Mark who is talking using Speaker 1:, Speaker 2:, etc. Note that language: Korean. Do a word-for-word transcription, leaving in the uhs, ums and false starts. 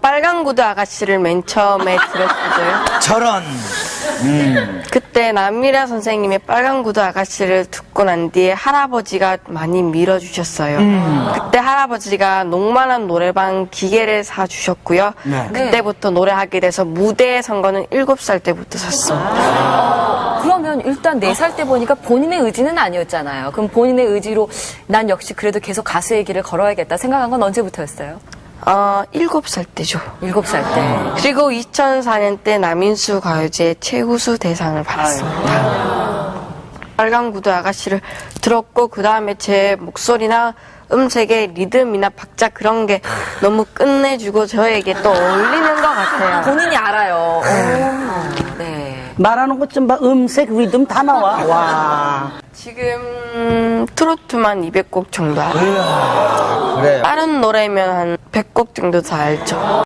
Speaker 1: 빨간 구두 아가씨를 맨 처음에 들었어요.
Speaker 2: 저런. 음.
Speaker 1: 그때 남미라 선생님의 빨간 구두 아가씨를 듣고 난 뒤에 할아버지가 많이 밀어주셨어요.
Speaker 2: 음.
Speaker 1: 그때 할아버지가 녹만한 노래방 기계를 사주셨고요.
Speaker 2: 네.
Speaker 1: 그때부터 노래하게 돼서 무대에 선 거는 일곱 살 때부터 섰습니다.
Speaker 3: 그러면 일단 네 살 때 보니까 본인의 의지는 아니었잖아요. 그럼 본인의 의지로 난 역시 그래도 계속 가수의 길을 걸어야겠다 생각한 건 언제부터였어요?
Speaker 1: 어, 일곱 살 때죠.
Speaker 3: 일곱 살 때.
Speaker 1: 그리고 이천사 년 때 남인수 가요제 최우수 대상을 받았습니다. 빨간 구두 아가씨를 들었고 그 다음에 제 목소리나 음색의 리듬이나 박자 그런 게 너무 끝내주고 저에게 또 어울리는 것 같아요.
Speaker 3: 본인이 알아요. 오, 네.
Speaker 4: 말하는 것 좀 봐. 음색, 리듬 다 나와. 와.
Speaker 1: 지금 트로트만 이백 곡 정도 알아요.
Speaker 2: 그래요.
Speaker 1: 다른 노래면 한 백 곡 정도 다 알죠.